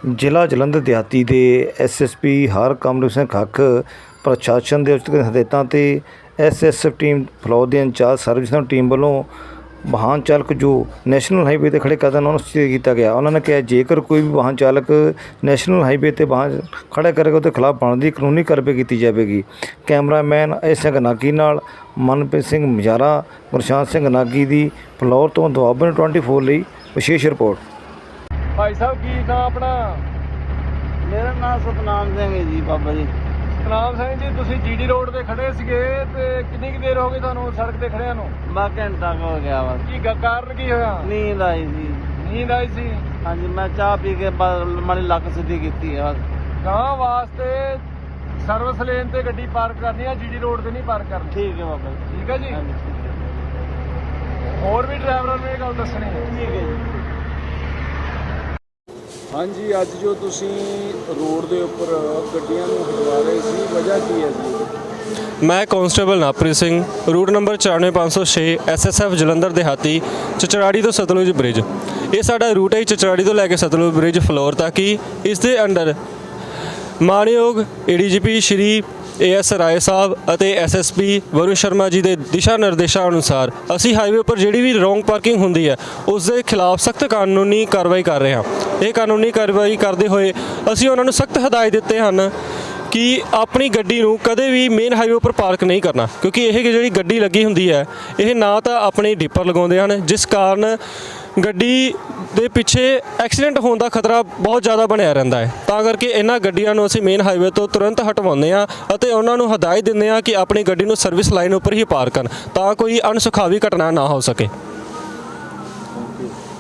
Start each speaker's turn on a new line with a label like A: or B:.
A: ਜ਼ਿਲ੍ਹਾ ਜਲੰਧਰ ਦਿਹਾਤੀ ਦੇ SSP ਹਰਕਮਲ ਸਿੰਘ ਖੱਖ ਪ੍ਰਸ਼ਾਸਨ ਦੇ ਉਚਿਤ ਹਦਾਇਤਾਂ ਤੇ SSF ਟੀਮ ਫਲੌਰ ਦੇ ਇੰਚਾਰਜ ਸਰਵਿਸ ਟੀਮ ਵੱਲੋਂ ਵਾਹਨ ਚਾਲਕ ਜੋ ਨੈਸ਼ਨਲ ਹਾਈਵੇ ਤੇ ਖੜੇ ਕਰਦਾ ਉਹਨਾਂ ਨੂੰ ਸੂਚਿਤ ਕੀਤਾ ਗਿਆ। ਉਹਨਾਂ ਨੇ ਕਿਹਾ ਜੇਕਰ ਕੋਈ ਵੀ ਵਾਹਨ ਚਾਲਕ ਨੈਸ਼ਨਲ ਹਾਈਵੇ ਤੇ ਵਾਹਨ ਖੜਾ ਕਰੇਗਾ ਉਹਦੇ ਖਿਲਾਫ ਬਣਦੀ ਕਾਨੂੰਨੀ ਕਾਰਵਾਈ ਕੀਤੀ ਜਾਵੇਗੀ। ਕੈਮਰਾਮੈਨ ਸਿੰਘ ਨਾਗੀ ਨਾਲ ਮਨਪ੍ਰੀਤ ਸਿੰਘ ਮਜਾਰਾ, ਗੁਰਸ਼ਾਂਤ ਸਿੰਘ ਨਾਗੀ ਦੀ ਫਲੌਰ ਤੋਂ ਦੁਆਬਾ 24 ਲਈ ਵਿਸ਼ੇਸ਼ ਰਿਪੋर्ट।
B: भाई साहब की नाम अपना?
C: मेरा नाम सतनाम सिंह है जी बाबा जी।
B: सतनाम सिंह जी, तुसी GD रोड ते खड़े सीगे ते कितनी की देर हो गई थानू सड़क ते खड़िया नू?
C: मैं घंटा हो गया बस।
B: की कारण की होया?
C: नींद आई सी।
B: नींद आई सी?
C: हाँ जी, मैं चाह पी के माड़ी लक सीधी की है बस।
B: कहाँ वास्ते सर्विस लेन ते गड्डी पार्क करनी है, GD रोड ते नहीं पार्क करनी।
C: ठीक है बाबा जी।
B: ठीक है जी।
C: हाँ जी ठीक है।
B: और भी ड्राइवरों ने गल दसनी है।
C: ठीक है जी।
B: हाँ जी, अज जो तुसी रोड के उपर गड्डियां नूं हटवा रहे सी, वजह की है जी?
D: मैं कांस्टेबल नाप੍ਰੀਤ Singh, route number 94506 SSF Jalandhar ਦਿਹਾਤੀ, ਚਚਰਾੜੀ ਤੋਂ ਸਤਲੁਜ ਬ੍ਰਿਜ। ਇਹ ਸਾਡਾ ਰੂਟ ਹੈ ਚਚਰਾੜੀ ਤੋਂ ਲੈ ਕੇ ਸਤਲੁਜ ਬ੍ਰਿਜ ਫਲੋਰ ਤੱਕ ਹੀ। ਇਸ ਦੇ ਅੰਡਰ ਮਾਣਯੋਗ ADGP ਸ਼੍ਰੀ AS ਰਾਏ ਸਾਹਿਬ ਅਤੇ SSP ਵਰੁਣ ਸ਼ਰਮਾ ਜੀ ਦੇ ਦਿਸ਼ਾ ਨਿਰਦੇਸ਼ਾਂ ਅਨੁਸਾਰ ਅਸੀਂ ਹਾਈਵੇ ਉੱਪਰ ਜਿਹੜੀ ਵੀ ਰੋਂਗ ਪਾਰਕਿੰਗ ਹੁੰਦੀ ਹੈ ਉਸ ਦੇ ਖਿਲਾਫ ਸਖਤ ਕਾਨੂੰਨੀ ਕਾਰਵਾਈ ਕਰ ਰਹੇ ਹਾਂ। ਇਹ ਕਾਨੂੰਨੀ ਕਾਰਵਾਈ ਕਰਦੇ ਹੋਏ ਅਸੀਂ ਉਹਨਾਂ ਨੂੰ ਸਖਤ ਹਦਾਇਤ ਦਿੱਤੇ ਹਨ ਕਿ ਆਪਣੀ ਗੱਡੀ ਨੂੰ ਕਦੇ ਵੀ ਮੇਨ ਹਾਈਵੇ ਉੱਪਰ ਪਾਰਕ ਨਹੀਂ ਕਰਨਾ, ਕਿਉਂਕਿ ਇਹ ਜਿਹੜੀ ਗੱਡੀ ਲੱਗੀ ਹੁੰਦੀ ਹੈ ਇਹ ਨਾ ਤਾਂ ਆਪਣੇ ਡਿੱਪਰ ਲਗਾਉਂਦੇ ਹਨ, ਜਿਸ ਕਾਰਨ ਗੱਡੀ ਦੇ ਪਿੱਛੇ ਐਕਸੀਡੈਂਟ ਹੋਣ ਦਾ ਖਤਰਾ ਬਹੁਤ ਜ਼ਿਆਦਾ ਬਣਿਆ ਰਹਿੰਦਾ ਹੈ। ਤਾਂ ਕਰਕੇ ਇਹਨਾਂ ਗੱਡੀਆਂ ਨੂੰ ਅਸੀਂ ਮੇਨ ਹਾਈਵੇ ਤੋਂ ਤੁਰੰਤ ਹਟਵਾਉਂਦੇ ਹਾਂ ਅਤੇ ਉਹਨਾਂ ਨੂੰ ਹਦਾਇਤ ਦਿੰਦੇ ਹਾਂ ਕਿ ਆਪਣੀ ਗੱਡੀ ਨੂੰ ਸਰਵਿਸ ਲਾਈਨ ਉੱਪਰ ਹੀ ਪਾਰਕ ਕਰਨ ਤਾਂ ਕੋਈ ਅਣਸੁਖਾਵੀ ਘਟਨਾ ਨਾ ਹੋ ਸਕੇ।